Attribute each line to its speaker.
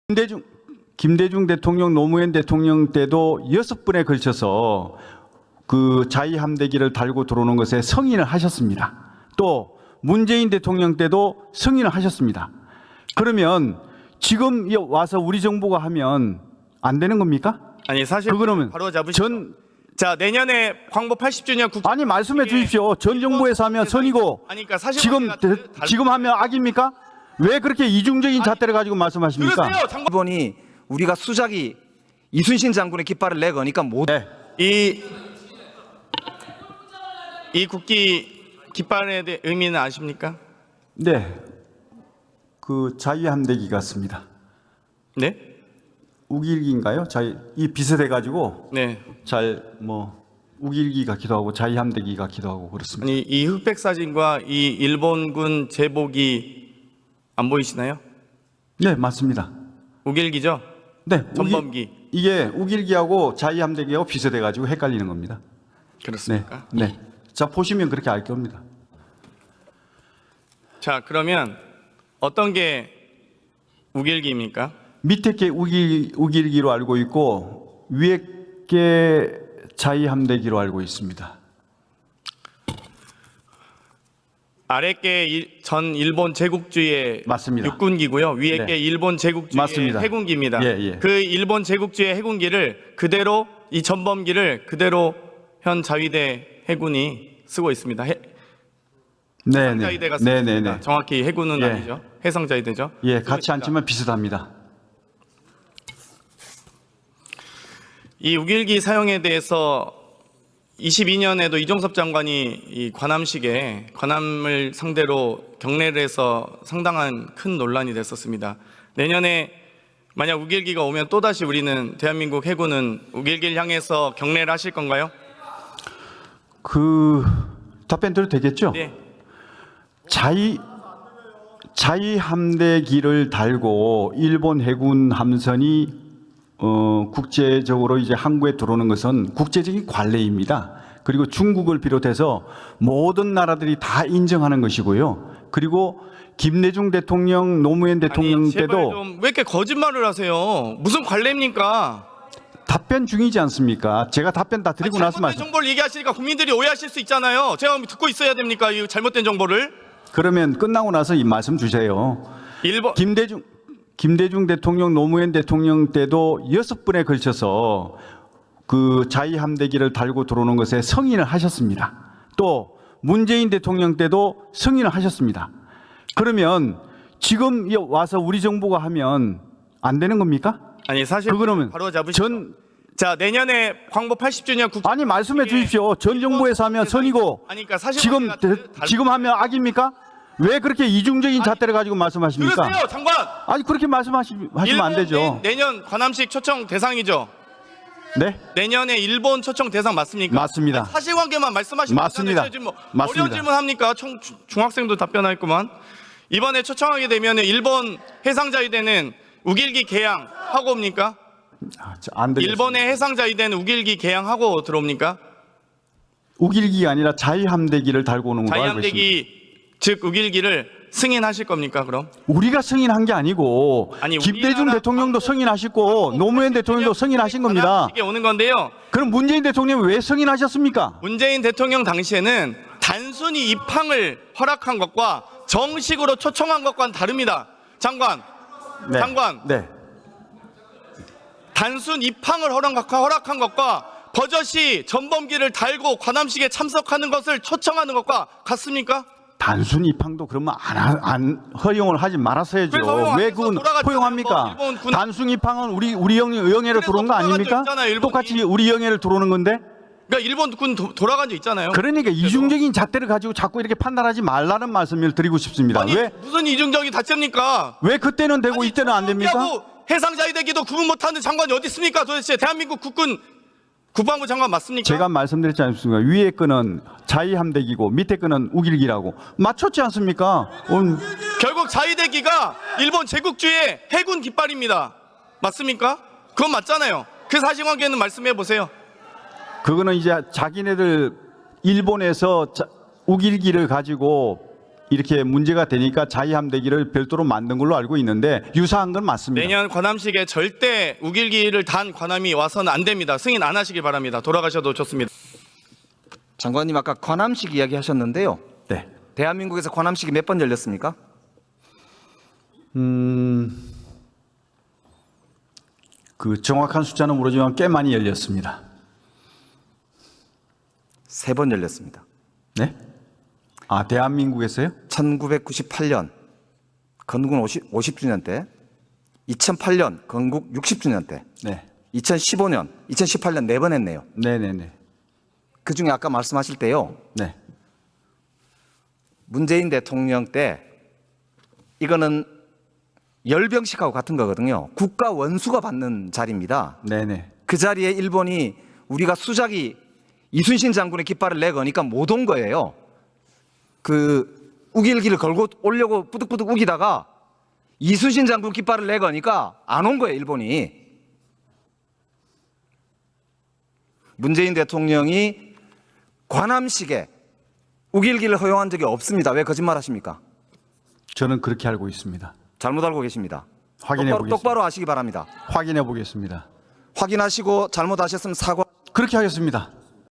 Speaker 1: 김대중 대통령, 노무현 대통령 때도 6번에 걸쳐서 그 자위함대기를 달고 들어오는 것에 승인을 하셨습니다. 또 문재인 대통령 때도 승인을 하셨습니다. 그러면 지금 와서 우리 정부가 하면 안 되는 겁니까?
Speaker 2: 아니 사실
Speaker 1: 그거는
Speaker 2: 바로 잡으시죠. 자, 내년에 광복 80주년 국제
Speaker 1: 아니 말씀해 주십시오. 전 정부에서 하면 선이고
Speaker 2: 아니 그러니까 사실
Speaker 1: 지금 하면 악입니까? 왜 그렇게 이중적인 잣대를 가지고 말씀하십니까?
Speaker 2: 그러세요, 장관.
Speaker 3: 일본이 우리가 수작이 이순신 장군의 깃발을 내거니까 못.
Speaker 1: 네.
Speaker 2: 이 국기 깃발에 대해 의미는 아십니까?
Speaker 1: 네. 그 자위함대기 같습니다.
Speaker 2: 네?
Speaker 1: 우길기인가요? 이 비슷해 가지고
Speaker 2: 네.
Speaker 1: 잘 뭐 우길기 같기도 하고 자위함대기 같기도 하고 그렇습니다.
Speaker 2: 아니 이 흑백 사진과 이 일본군 제복이 안 보이시나요?
Speaker 1: 네, 맞습니다.
Speaker 2: 우길기죠?
Speaker 1: 네,
Speaker 2: 전범기.
Speaker 1: 이게 우길기하고 자위함대기하고 비슷해 가지고 헷갈리는 겁니다. 네.
Speaker 2: 그렇습니까?
Speaker 1: 네. 자, 보시면 그렇게 알 겁니다.
Speaker 2: 자, 그러면 어떤 게 우길기입니까?
Speaker 1: 밑에 게 우길기로 알고 있고 위에 게 자위함대기로 알고 있습니다.
Speaker 2: 아래 게 전 일본 제국주의
Speaker 1: 맞습니다.
Speaker 2: 육군기고요. 위에
Speaker 1: 네.
Speaker 2: 게 일본 제국주의
Speaker 1: 맞습니다.
Speaker 2: 해군기입니다.
Speaker 1: 예, 예.
Speaker 2: 그 일본 제국주의 해군기를 그대로 이 전범기를 그대로 현 자위대 해군이 쓰고 있습니다. 해상자위대가 쓰고 있습니다. 정확히 해군은
Speaker 1: 예.
Speaker 2: 아니죠. 해상자위대죠.
Speaker 1: 예, 같이 앉지만 비슷합니다.
Speaker 2: 이 우길기 사용에 대해서 22년에도 이종섭 장관이 이 관함을 상대로 경례를 해서 상당한 큰 논란이 됐었습니다. 내년에 만약 우길기가 오면 또다시 우리는 대한민국 해군은 우길기를 향해서 경례를 하실 건가요?
Speaker 1: 그 답변 드려도 되겠죠?
Speaker 2: 네.
Speaker 1: 자위함대기를 달고 일본 해군 함선이 국제적으로 이제 항구에 들어오는 것은 국제적인 관례입니다. 그리고 중국을 비롯해서 모든 나라들이 다 인정하는 것이고요. 그리고 김대중 대통령, 노무현 대통령
Speaker 2: 아니, 제발
Speaker 1: 때도
Speaker 2: 좀 왜 이렇게 거짓말을 하세요? 무슨 관례입니까?
Speaker 1: 답변 중이지 않습니까? 제가 답변 다 드리고 나서
Speaker 2: 잘못된
Speaker 1: 말씀.
Speaker 2: 정보를 얘기하시니까 국민들이 오해하실 수 있잖아요. 제가 듣고 있어야 됩니까? 이 잘못된 정보를.
Speaker 1: 그러면 끝나고 나서 이 말씀 주세요. 김대중 대통령, 노무현 대통령 때도 6번에 걸쳐서 그 자위함대기를 달고 들어오는 것에 승인을 하셨습니다. 또 문재인 대통령 때도 승인을 하셨습니다. 그러면 지금 와서 우리 정부가 하면 안 되는 겁니까?
Speaker 2: 아니 사실
Speaker 1: 그거는
Speaker 2: 바로 잡으시죠. 자, 내년에 광복 80주년 국제
Speaker 1: 아니 말씀해 주십시오. 전 정부에서 하면 선이고
Speaker 2: 아니 그러니까 사실
Speaker 1: 지금 하면 악입니까? 왜 그렇게 이중적인 잣대를 가지고 말씀하십니까?
Speaker 2: 그러세요, 장관.
Speaker 1: 아니 그렇게 말씀하시면 안 되죠.
Speaker 2: 내년 관함식 초청 대상이죠.
Speaker 1: 네?
Speaker 2: 내년에 일본 초청 대상 맞습니까?
Speaker 1: 맞습니다.
Speaker 2: 아니, 사실관계만 말씀하시면
Speaker 1: 맞습니다.
Speaker 2: 지금 뭐
Speaker 1: 맞습니다.
Speaker 2: 어려운 질문 합니까? 중학생도 답변하겠구만. 이번에 초청하게 되면 일본 해상자위대는 우길기 개항하고 옵니까?
Speaker 1: 안 되겠습니다.
Speaker 2: 일본의 해상자위대는 우길기 개항하고 들어옵니까?
Speaker 1: 우길기가 아니라 자위함대기를 달고 오는 걸로 알고 있습니다.
Speaker 2: 자위함대기 즉 우길기를 승인하실 겁니까? 그럼
Speaker 1: 우리가 승인한 게 아니고
Speaker 2: 아니,
Speaker 1: 김대중
Speaker 2: 우리나라
Speaker 1: 대통령도 승인하시고 노무현 대통령도 승인하신 겁니다.
Speaker 2: 이게 오는 건데요.
Speaker 1: 그럼 문재인 대통령이 왜 승인하셨습니까?
Speaker 2: 문재인 대통령 당시에는 단순히 입항을 허락한 것과 정식으로 초청한 것과는 다릅니다. 장관,
Speaker 1: 네.
Speaker 2: 장관.
Speaker 1: 네.
Speaker 2: 단순 입항을 허락한 것과 버젓이 전범기를 달고 관함식에 참석하는 것을 초청하는 것과 같습니까?
Speaker 1: 단순 입항도 그러면 안 허용을 하지 말았어야죠. 왜 그건 허용합니까? 단순 입항은 우리 영해로 들어온 거 아닙니까? 똑같이 우리 영해를 들어오는 건데.
Speaker 2: 그러니까 일본 군 돌아간 적 있잖아요.
Speaker 1: 그러니까 이중적인 잣대를 가지고 자꾸 이렇게 판단하지 말라는 말씀을 드리고 싶습니다.
Speaker 2: 아니,
Speaker 1: 왜
Speaker 2: 무슨 이중적인 잣대입니까?
Speaker 1: 왜 그때는 되고 이때는 안 됩니까?
Speaker 2: 해상자위대기도 구분 못하는 장관이 어디 있습니까? 도대체 대한민국 국방부 장관 맞습니까?
Speaker 1: 제가 말씀드렸지 않습니까? 위에 거는 자위함대기고 밑에 거는 우길기라고 맞췄지 않습니까?
Speaker 2: 결국 자위대기가 일본 제국주의 해군 깃발입니다. 맞습니까? 그건 맞잖아요. 그 사실관계는 말씀해 보세요.
Speaker 1: 그거는 이제 자기네들 일본에서 우길기를 가지고 이렇게 문제가 되니까 자위함대기를 별도로 만든 걸로 알고 있는데 유사한 건 맞습니다.
Speaker 2: 내년 관함식에 절대 우길기를 단 관함이 와서는 안 됩니다. 승인 안 하시길 바랍니다. 돌아가셔도 좋습니다.
Speaker 3: 장관님 아까 관함식 이야기하셨는데요.
Speaker 1: 네.
Speaker 3: 대한민국에서 관함식이 몇 번 열렸습니까?
Speaker 1: 그 정확한 숫자는 모르지만 꽤 많이 열렸습니다.
Speaker 3: 3번 열렸습니다.
Speaker 1: 네? 아, 대한민국에서요?
Speaker 3: 1998년 건국 50주년 때, 2008년 건국 60주년 때,
Speaker 1: 네.
Speaker 3: 2015년, 2018년 4번 했네요.
Speaker 1: 네네네.
Speaker 3: 그 중에 아까 말씀하실 때요.
Speaker 1: 네.
Speaker 3: 문재인 대통령 때 이거는 열병식하고 같은 거거든요. 국가 원수가 받는 자리입니다.
Speaker 1: 네네.
Speaker 3: 그 자리에 일본이 우리가 수작이 이순신 장군의 깃발을 내거니까 못 온 거예요. 그 우길기를 걸고 오려고 뿌득뿌득 우기다가 이순신 장군 깃발을 내거니까 안 온 거예요, 일본이. 문재인 대통령이 관함식에 우길기를 허용한 적이 없습니다. 왜 거짓말하십니까?
Speaker 1: 저는 그렇게 알고 있습니다.
Speaker 3: 잘못 알고 계십니다.
Speaker 1: 확인해 보겠습니다.
Speaker 3: 똑바로 하시기 바랍니다.
Speaker 1: 확인해 보겠습니다.
Speaker 3: 확인하시고 잘못하셨으면 사과.
Speaker 1: 그렇게 하겠습니다.